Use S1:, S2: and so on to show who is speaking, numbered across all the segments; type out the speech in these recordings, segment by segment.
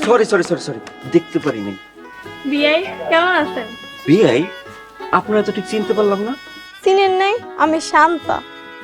S1: Sorry sorry sorry sorry, দেখতে পারিনি।
S2: বিয়াই কেমন আছেন?
S1: বিআই, আপনারা তো ঠিক চিনতে পারলাম না।
S2: চিনেন নাই? আমি শান্তা।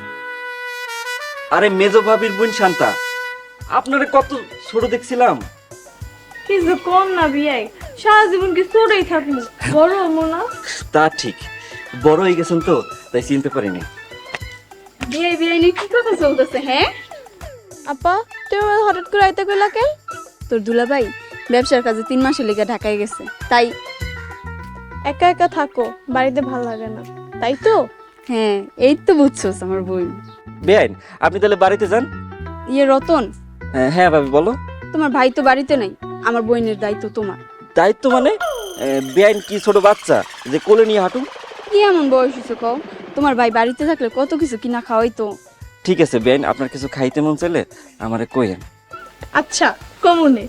S1: আরে মেজো ভাবির বোন শান্তা। আপনারা কত ছোট দেখছিলাম।
S2: কিছু কম না বিয়াই, সারা জীবন কি ছোটই থাকবো, বড় হবো না?
S1: তা ঠিক, বড় হয়ে গেছেন তো, তাই চিনতে পারিনি।
S2: বিয়াই বিয়াই নিয়ে কি কথা চলতেছে? হ্যাঁ
S3: আপা, তুমি আমাকে হঠাৎ করে আইতে কইলা কেন? তোর দুলাভাই ব্যবসার কাজে 3 মাসের লেগে ঢাকায় গেছে, তাই।
S2: একা একা থাকো, বাড়িতে ভালো লাগে না, তাই তো?
S3: হ্যাঁ, এই তো বুঝছোস আমার বোন।
S1: বেআইন, আপনি তাহলে বাড়িতে যান।
S3: ইয়ে রতন,
S1: হ্যাঁ ভাবি বলো।
S3: তোমার ভাই তো বাড়িতে নাই, আমার বোনের দায়িত্ব তোমার।
S1: দায়িত্ব মানে? বেআইন কি ছোট বাচ্চা যে কোলে নিয়ে হাঁটুন?
S3: কি এমন বয়স হয়েছে কও? তোমার ভাই বাড়িতে থাকলে কত কিছু কিনা খাওয়াই তো।
S1: ঠিক আছে বেআইন, আপনার কিছু খাইতে মন চাইলে আমারে কইেন।
S2: আচ্ছা, কমনে।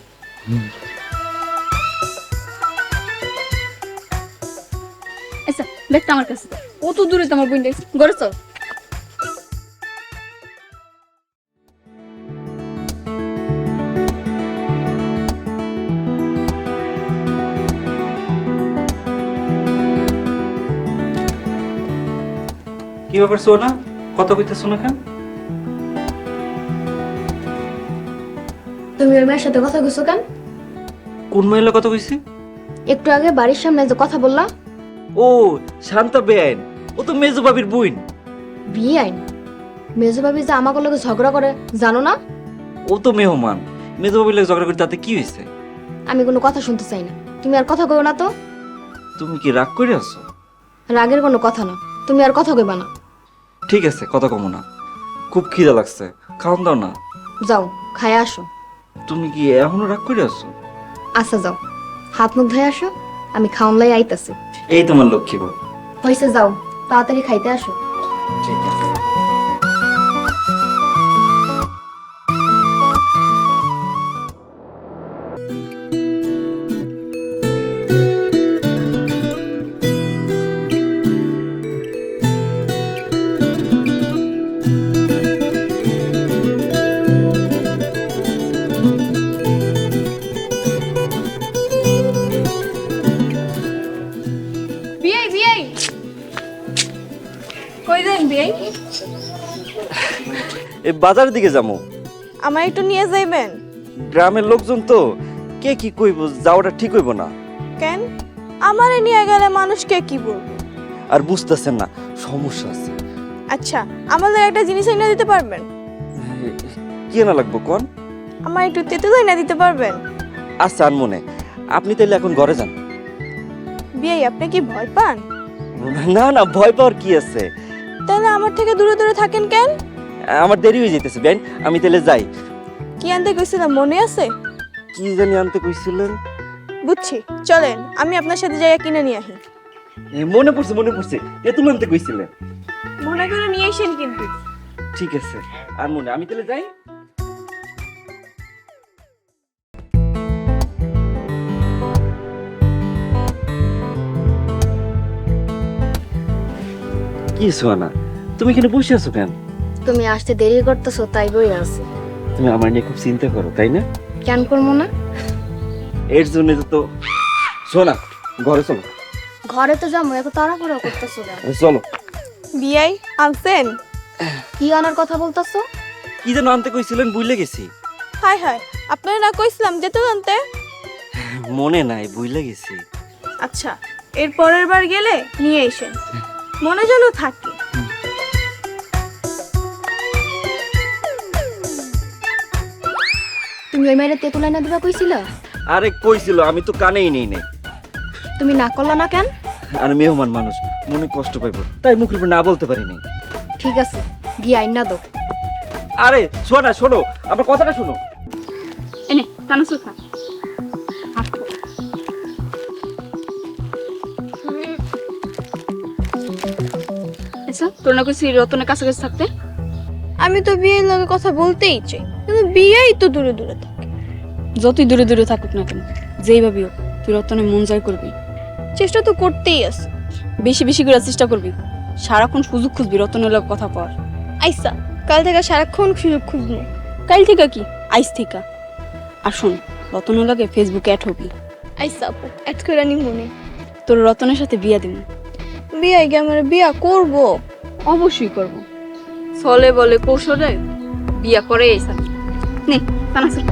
S3: আচ্ছা, ব্যাগটা আমার কাছে দাও। কত দূরে তোমার বোন দেখছি, ঘরে চল।
S1: কি ব্যাপার সোনা, কথা কইতেছো না কেন?
S4: তুমি ওই মেয়ের সাথে কথা কইছো কেন?
S1: কোন মহিলা কথা কইছি?
S4: একটু আগে বাড়ির সামনে যে কথা বললা।
S1: ও শান্তা বেআইন, ও তো মেজো ভাবির বোন।
S4: বিয়ে আইন মেজো ভাবি যে আমাকে লগে ঝগড়া করে জানো না?
S1: ও তো মেহমান, মেজো ভাবির লাগে ঝগড়া করতে তাতে কি হয়েছে?
S4: আমি কোনো কথা শুনতে চাই না, তুমি আর কথা কইও না তো।
S1: তুমি কি রাগ করে আছো?
S4: রাগের কোনো কথা না, তুমি আর কথা কইবা না।
S1: ঠিক আছে, কথা কমো না। খুব খিদা লাগছে, খাওয়ান দাও না।
S4: যাও খায় আসো।
S1: তুমি কি এখনো রাগ করে আছো?
S4: আচ্ছা যাও, হাত মুখ ধুয়ে আসো, আমি খাওন লাই আইতাছি।
S1: এই তোমার লক্ষ্মী বউ।
S4: হইছে যাও, তাড়াতাড়ি খাইতে আসো।
S1: ঠিক আছে।
S2: বিয়াই বিয়াই, কই যান বিয়াই?
S1: এই বাজারের দিকে যাবো।
S2: আমার একটু নিয়ে যাইবেন?
S1: গ্রামের লোকজন তো, কে কি কইব, যাওয়াটা ঠিক হইব না।
S2: কেন? আমারে নিয়ে গেলে মানুষকে কি বলবো?
S1: আর বুঝতেছেন না, সমস্যা আছে।
S2: আচ্ছা, আমাদের একটা জিনিস এনে দিতে পারবেন?
S1: কি না লাগবো কোন?
S2: আমার একটু তেঁতুল এনে দিতে পারবেন?
S1: আচ্ছা আনমনে, আপনি তাইলে এখন ঘরে যান।
S2: বিয়াই, আপনি কি ভয় পান?
S1: না না, ভয় পাওয়ার কি আছে?
S2: তাহলে আমার থেকে দূরে দূরে থাকেন কেন?
S1: আমার দেরি হয়ে যেতেছে বেন, আমি তাহলে যাই।
S2: কি আনতে কইছিলাম মনে আছে?
S1: কি জানি আনতে কইছিলেন?
S2: বুঝছি, চলেন আমি আপনার সাথে জায়গা কিনে নিয়ে আসি।
S1: মনে পড়ছে মনে পড়ছে, তেঁতুল আনতে কইছিলেন।
S2: মনে করে নিয়ে আসেন কিন্তু।
S1: ঠিক আছে আর মনে, আমি তাহলে যাই। কি সোনা, তুমি এখানে বসে আছো কেন?
S4: তুমি আসতে দেরি করতেছো তাই বই আছি।
S1: তুমি আমার নিয়ে খুব চিন্তা করো তাই না?
S4: কেন করবো না?
S1: এর জন্য তো সোনা, ঘরে চলো।
S4: ঘরে তো যাবো, এত তাড়াহুড়ো করতেছো কেন?
S1: চলো।
S2: বিয়াই আনছেন?
S4: কি আনার কথা বলতেছো?
S1: কি যেন আনতে কইছিলেন, ভুলে গেছি।
S2: হাই হাই, আপনারা না কইছিলাম তেঁতুল আনতে?
S1: মনে নাই, ভুলে গেছি।
S2: আচ্ছা, এর পরের বার গেলে নিয়ে এসেন, মনে যেন থাকে।
S4: তুমি ওই মেয়ের তেঁতুল এনে দিবা কইছিলা?
S1: আরে কইছিল, আমি তো কানেই নেই নাই।
S4: তুমি না করলা না কেন?
S1: আর মেহমান মানুষ, মনে কষ্ট পাইব, তাই মুখের উপর না বলতে পারিনি।
S4: ঠিক আছে, গিয়ে আইনা দাও।
S1: আরে শোনা, শোনো আমার কথাটা শোনো।
S3: এনে কানা সুখা। আচ্ছা, তোর না কইছি রতনের কাছাকাছি থাকতে?
S2: আমি তো বিয়ের লগে কথা বলতেই চাই, কিন্তু বিয়েই তো দূরে দূরে থাকে।
S3: যতই দূরে দূরে থাকুক না কেন, যেই ভাবি হোক, তুই রতনের মন জয় করবি।
S2: চেষ্টা তো করতেই আছে।
S3: বেশি বেশি করে চেষ্টা করবি, সারাক্ষণ সুযোগ খুঁজবি রতনের লগে কথা পাওয়ার।
S2: আইসা, কাল থেকে সারাক্ষণ সুযোগ খুঁজবো।
S3: কাল থেকে কি, আইস থেকে। আর শোন, রতনের লগে ফেসবুকে অ্যাড হবি।
S2: আইসা আপু এত করে নি মনে
S3: তোর রতনের সাথে বিয়া দিব।
S2: বিয়ে গিয়ে আমার বিয়া করব।
S3: অবশ্যই করব। চলে বলে কৌশলে বিয়া করে এসা নে তানাসুর।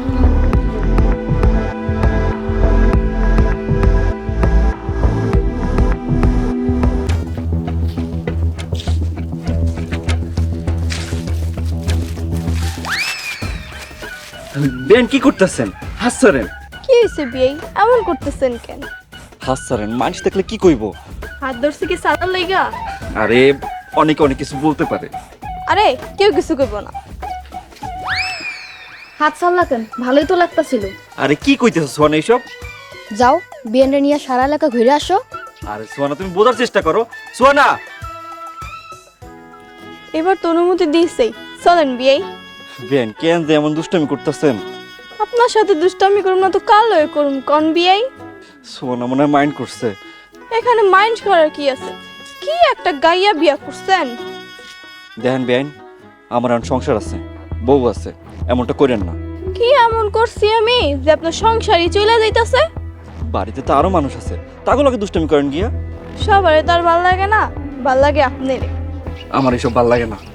S1: বেন কি করতেছেন? হাসছেন?
S2: কি হয়েছে বিয়ে এমন করতেছেন কেন?
S1: হাসছেন, মানুষ দেখলে কি কইব?
S2: হাত ধরছে কি সাদা লাইগা?
S1: আরে অনেকে অনেক কিছু বলতে পারে।
S2: আরে কেউ কিছু করব না।
S4: হাত সাল্লা কেন, ভালোই তো লাগতাছিল।
S1: আরে কি কইতেছ সোয়ানা এইসব?
S4: যাও বিয়েনরে নিয়ে সারা এলাকা ঘুরে আসো।
S1: আরে সোয়ানা তুমি বোঝার চেষ্টা করো। সোয়ানা
S2: এবার তো অনুমতি দিয়েছেই, চলেন বিয়ে।
S1: বেন কেন যে এমন দুষ্টামি করতেছেন?
S2: আপনার সাথে দুষ্টামি করুম না তো কাল লয়ে করুম কোন বিয়ে?
S1: সোয়ানা মনে হয় মাইন্ড করছে।
S2: এখানে মাইন্ড করার কি আছে? কি একটা গাইয়া বিয়া করছেন।
S1: দেখেন বেন, আমার এখন সংসার আছে, বউ আছে, এমনটা করেন না।
S2: কি এমন করছি আমি যে আপনার সংসারই চলে যাইতাছে?
S1: বাড়িতে তো আরো মানুষ আছে, তাগুলোকে দুষ্টামি করেন গিয়া।
S2: সবারে তার ভাল লাগে না, ভাল লাগে আপনার।
S1: আমার এসব ভাল লাগে না।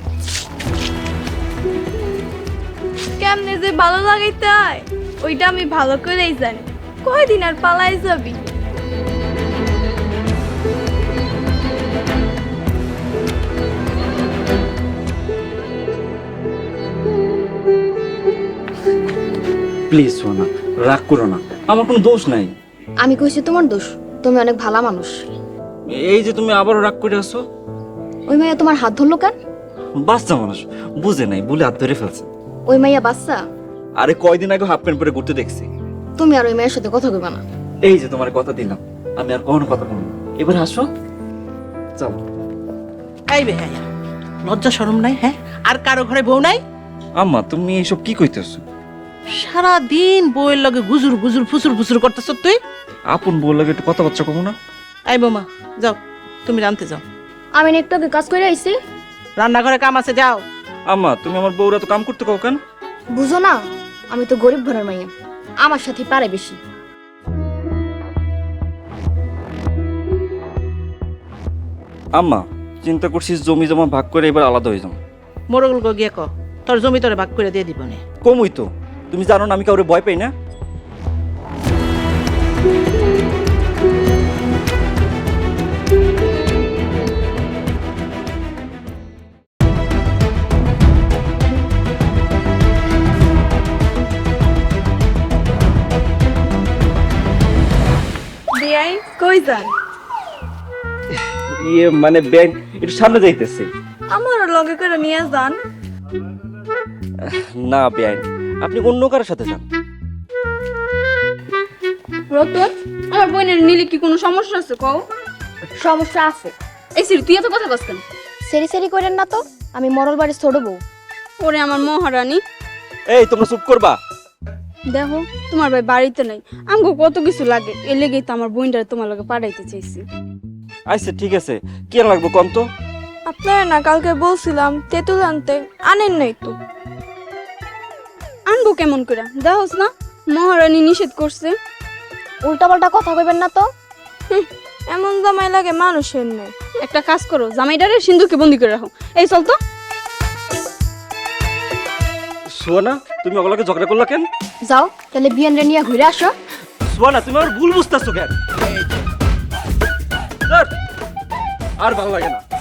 S2: কেমনে যে ভালো লাগাইতে হয় ওইটা আমি ভালো করেই জানি। কয়দিন আর পালাই যাবি?
S1: প্লিজ সোনা, রাগ করো না, আমার কোনো দোষ নাই।
S4: আমি কইছি তোমার দোষ, তুমি অনেক ভালো মানুষ।
S1: এই যে তুমি আবারও রাগ করে আসো।
S4: ওই মাইয়া তোমার হাত ধরলো কেন?
S1: বাচ্চা মানুষ বুঝে নাই বলে হাত ধরে ফেলছে।
S4: ওই মাইয়া বাচ্চা?
S1: আরে কয়দিন আগে হাফ প্যান্ট পরে ঘুরতে দেখছি।
S4: তুমি আর ওই মায়ের সাথে কথা কইবা না।
S1: এই যে তোমার কথা দিলাম, আমি আর কখনো কথা বলবো না। এবার হাসো, চলো।
S5: এই বেহায়া, লজ্জা শরম নাই? হ্যাঁ, আর কারো ঘরে বউ নাই?
S1: আম্মা তুমি এইসব কি কইতেছো?
S5: সারা দিন বউয়ের লগে গুজুর গুজুর ফুসুর ফুসুর করতেছ তুই।
S1: আপন বউ লাগে একটু কথাবার্তা কমো না।
S5: এই বৌমা যাও, তুমি রানতে যাও।
S4: আমি না একটু আগে কাজ করে আইছি।
S5: রান্নাঘরে কাম আছে, যাও।
S1: আম্মা তুমি আমার বউরা তো কাম করতে কও কেন?
S4: বুঝো না, আমি তো গরিব ঘরের মাইয়া, আমার সাথে পারে বেশি।
S1: আম্মা চিন্তা করছিস জমি জমা ভাগ করে এবার আলাদা হয়ে যাও।
S5: মোরগুল গো গিয়ে ক তোর জমি তোরে ভাগ করে দিয়ে দিব নে।
S1: কমই তো, তুমি জানো না আমি কাউরে ভয় পাই না।
S2: বিয়াই কই যান?
S1: ইয়ে মানে ব্যাংক একটু সামনে যাইতেছে।
S2: আমারও লগে করে নিয়ে যান।
S1: না ব্যাংক, আপনি অন্য কারোর সাথে যান।
S3: রতন, আমার বোনের নিলে কি কোনো সমস্যা আছে কও?
S4: সমস্যা আছে।
S3: এই সিরি তুই এত কথা কস কেন?
S4: সেরি সেরি করেন না তো, আমি মরল বাড়ির ছোট বউ।
S3: ওরে আমার মহারানী,
S1: এই তোমরা চুপ করবা।
S3: দেখো তোমার ভাই বাড়িতে নাই, আমাকে কত কিছু লাগে, এ লেগেই তো আমার বোনটারে তোমার লগে পাঠাইতে চাইছি।
S1: আচ্ছা ঠিক আছে, কি লাগবে কোন তো?
S2: আপনারা না কালকে বলছিলাম তেঁতুল আনতে, আনেন নাই তো।
S3: আনবো কেমন করে? দেখোস না মহারানী নিষেধ করছে।
S4: উল্টাপাল্টা কথা কইবেন না তো।
S2: এমন জামাই লাগে মানুষের নেই।
S3: একটা কাজ করো, জামাইটারে সিন্ধুকে বন্দি করে রাখো। এই চল তো।
S1: সোনা তুমি ওগুলোকে ঝগড়া করলা কেন?
S4: যাও তাহলে বিয়েনরে নিয়ে ঘুরে আসো।
S1: সোনা তুমি আমার ভুল বুঝতেছো কেন? ধ্যাৎ, আর ভালো লাগে না।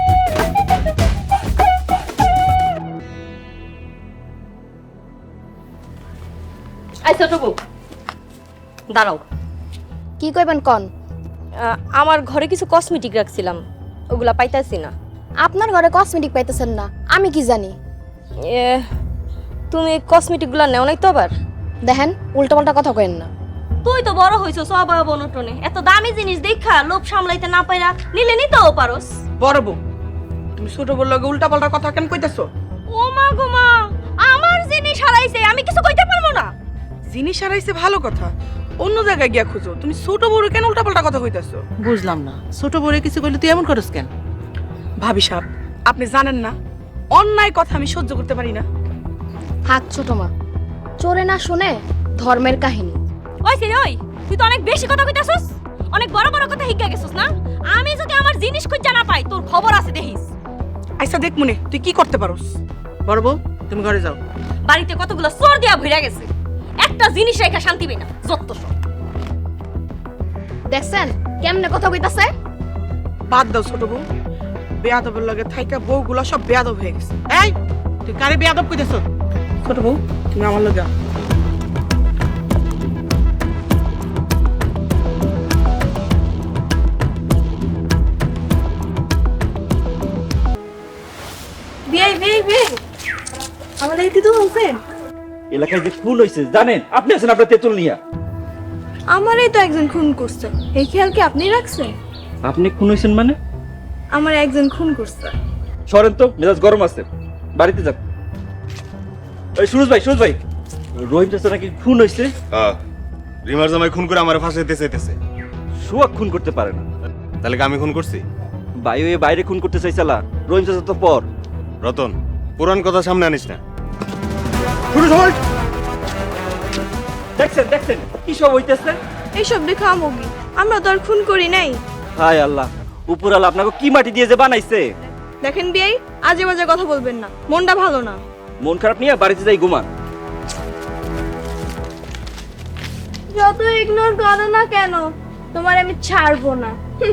S6: এই ছোট বউ, দাঁড়াও।
S4: কি কইবেন কন?
S6: আমার ঘরে কিছু কসমেটিক রাখছিলাম, ওগুলা পাইতাছি না।
S4: আপনার ঘরে কসমেটিক পাইতেছেন না, আমি কি জানি?
S6: এ, তুমি কসমেটিকগুলা নেও নাই তো আবার?
S4: দেখেন উল্টাপাল্টা কথা কইেন না।
S6: তুই তো বড় হইছো স্বভাব অনটনে, এত দামি জিনিস দেখা লোভ সামলাইতে না পাইরা নিলে নিতেও পারোস।
S5: বড় বউ, তুমি ছোট বউর লগে উল্টা পাল্টা কথা কেন কইতাছো?
S6: ও মা গো মা, আমার জিনিস হারাইছে, আমি কিছু কইতে পারবো না।
S7: জিনিস হারাইছে ভালো কথা, অন্য জায়গায় গিয়া খুঁজো। তুমি ছোট বড় কেন উল্টাপাল্টা কথা কইতাছো?
S5: বুঝলাম না, ছোট বউরে কিছু কইলে তুই এমন করস কেন?
S7: ভাবি সাহেব, আপনি জানেন না অন্যায় কথা আমি সহ্য করতে পারি না।
S4: থাক ছোট মা, চোরে না শুনে ধর্মের কাহিনী।
S6: ওই সে ওই, তুই তো অনেক বেশি কথা কইতাছস, অনেক বড় বড় কথা হিগা গেছস না। আমি যদি আমার জিনিস খুঁজে না পাই, তোর খবর আছে দেখিস।
S7: আচ্ছা দেখ মনে তুই কি করতে পারোস। বড় বউ তুমি ঘরে যাও।
S6: বাড়িতে কতগুলো চোর দিয়া ভইরা গেছে, একটা জিনিস রেখা শান্তি পাই না, যত সব।
S4: দেখছেন কেমনে কথা কইতাছে?
S7: বাদ দাও ছোট বউ, বেয়াদবের লগে থাইকা বউগুলা সব বেয়াদব হয়ে গেছে। এই তুই কারে বেয়াদব কইতেছ? ছোট বউ তুমি আমার লগে আও।
S2: বিয়াই বিয়াই বিয়াই, আমাদের দিদু বলছেন
S1: এলাকায় যে খুন হয়েছে জানেন? আপনি আছেন আপনার তেঁতুল নিয়া।
S2: আমারই তো একজন খুন করছে, এই খেয়াল কি আপনি রাখছেন?
S1: আপনি খুন হয়েছেন মানে?
S2: আমার একজন খুন করছে।
S1: সরেন তো, মেজাজ গরম আছে, বাড়িতে যান। ওই সুরজ ভাই, সুরজ ভাই, রহিম চাচা নাকি খুন হয়েছে।
S8: রিমার জামাই খুন করে আমার ফাঁসাইতে চাইতেছে।
S1: সুয়াক খুন করতে পারে না।
S8: তাহলে কি আমি খুন করছি?
S1: ভাই ওই বাইরে খুন করতে চাইছালা, রহিম চাচা তো পর।
S8: রতন, পুরান কথা সামনে আনিস না।
S1: সুরজ ভাই দেখছেন দেখছেন কি সব হইতেছে?
S2: এইসব দেখে আমগি, আমরা তো আর খুন করি নাই।
S1: হায় আল্লাহ, উপরালা আপনাকে কি মাটি দিয়ে যে বানাইছে।
S2: দেখেন বিয়াই, আজে বাজে কথা বলবেন না, মনটা ভালো না।
S1: মন খারাপ নিয়ে বাড়িতে যাই ঘুমান।
S2: যত ইগনোর করো না কেন, তোমার আমি ছাড়বো না।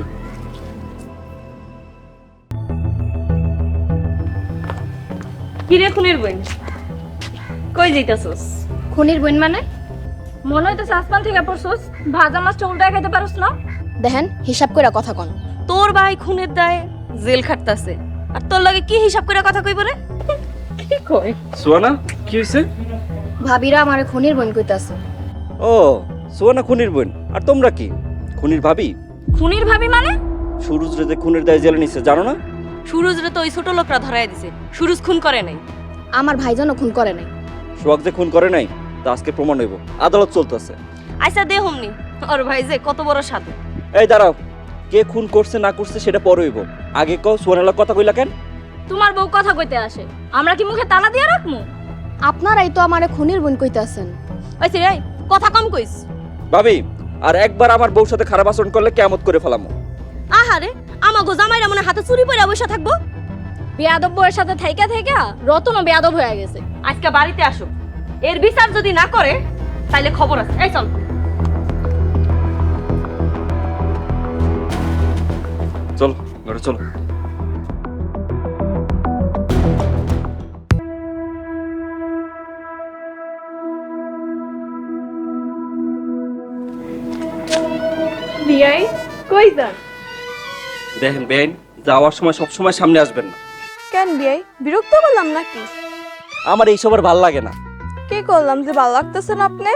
S6: কি রে খুনের বই, কই যাইতাছস?
S4: খুনির বোন মানে?
S6: মনে হইতেছে আসমান থেকে পড়ছস, ভাজা মাছটা উল্টায় খাইতে পারস না।
S4: দেখেন হিসাব কইরা কথা কন।
S6: তোর ভাই খুনের দায়ে জেল খাটতাছে, আর তোর লাগে কি হিসাব করে কথা কইব রে? কি কই?
S1: সুয়ানা কি হয়েছে?
S4: ভাবিরা আমারে খুনির বোন কইতাছে।
S1: ও সুয়ানা খুনির বোন, আর তোমরা কি খুনির ভাবি?
S6: খুনির ভাবি মানে?
S1: সুরজ রে যে খুনের দায় জেলে নিছে জানো না?
S6: সুরজ রে তো ওই ছোট লোকরা ধরায় দিছে, সুরজ খুন করে নাই।
S4: আমার ভাইজানও খুন করে নাই।
S1: সোহাগ যে খুন করে নাই তা আজকে প্রমাণ হইব, আদালত চলতেছে।
S6: আচ্ছা দে হমনি, ওর ভাই যে কত বড় সাধু।
S1: এই দাঁড়াও, কে খুন করছে না করছে সেটা পরে হইব, আগে কও সুয়ানার কথা কইলা কেন?
S6: তোমার বউ কথা কইতে আসে, আমরা কি মুখে তালা দিয়ে রাখমু?
S4: আপনারাই তো আমারে খুনির বোন কইতাছেন।
S6: ওই রে কথা কম কইস।
S1: ভাবি আর একবার আমার বউর সাথে খারাপ আচরণ করলে কিয়ামত করে ফেলামু।
S6: আহারে, আমাগো জামাইরা মনে হাতে চুরি পইরা বসে থাকবো? বেয়াদব বউয়ের সাথে থাইকা থাইকা রতনও বেয়াদব হয়ে গেছে। আজকে বাড়িতে আসো, এর বিচার যদি না করে তাইলে খবর আছে। এই চল
S1: চল ঘরে চলো।
S2: বিয়াই কই যান?
S1: দেখেন বেআইন, যাওয়ার সময় সব সময় সামনে আসবেন না।
S2: কেন বিয়াই, বিরক্ত করলাম নাকি?
S1: আমার এইসব আর ভাল লাগে না।
S2: কি করলাম যে ভালো লাগতেছে না আপনি?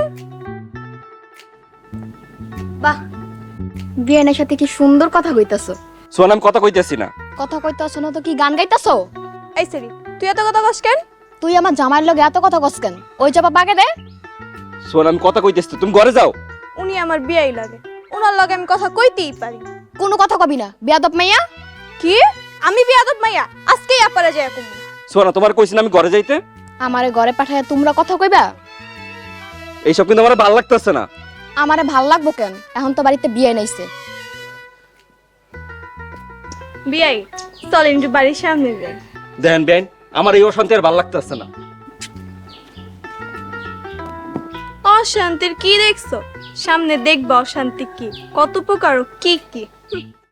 S4: বাহ, বিয়ানের সাথে কি সুন্দর কথা কইতাছো।
S1: সোয়ানা আমি কথা কইতেছি না।
S4: কথা কইতাছো না তো কি গান গাইতাছো?
S2: এই সেরি, তুই এত কথা কস কেন?
S4: তুই আমার জামাইয়ের লগে এত কথা কস কেন? ওই জবাব বাগে দে।
S1: সোয়ানা আমি কথা কইতেছি, তুমি ঘরে যাও।
S2: উনি আমার বিয়াই লাগে, ওনার লগে আমি কথা কইতেই পারি।
S4: কোনো কথা কবি না, বেয়াদব মাইয়া।
S2: কি? আমি বিয়াদব মাইয়া? আজকেই আপারে যাই কমু।
S1: সোয়ানা তোমার কইছি না আমি ঘরে যাইতে?
S4: আমারে ঘরে পাঠায় তোমরা কথা কইবা?
S1: এইসব কিন্তু আমার ভালো লাগতেছে না।
S4: আমারে ভাল লাগবো কেন? এখন তো বাড়িতে বিয়ে নাইছে।
S2: বিয়াই চলেন একটু বাড়ির সামনে যাই।
S1: দেখেন বেআইন, আমার এই অশান্তি আর ভালো লাগতেছে না।
S2: অশান্তির কি দেখছো? সামনে দেখবা অশান্তি কি, কত প্রকার ও কি কি।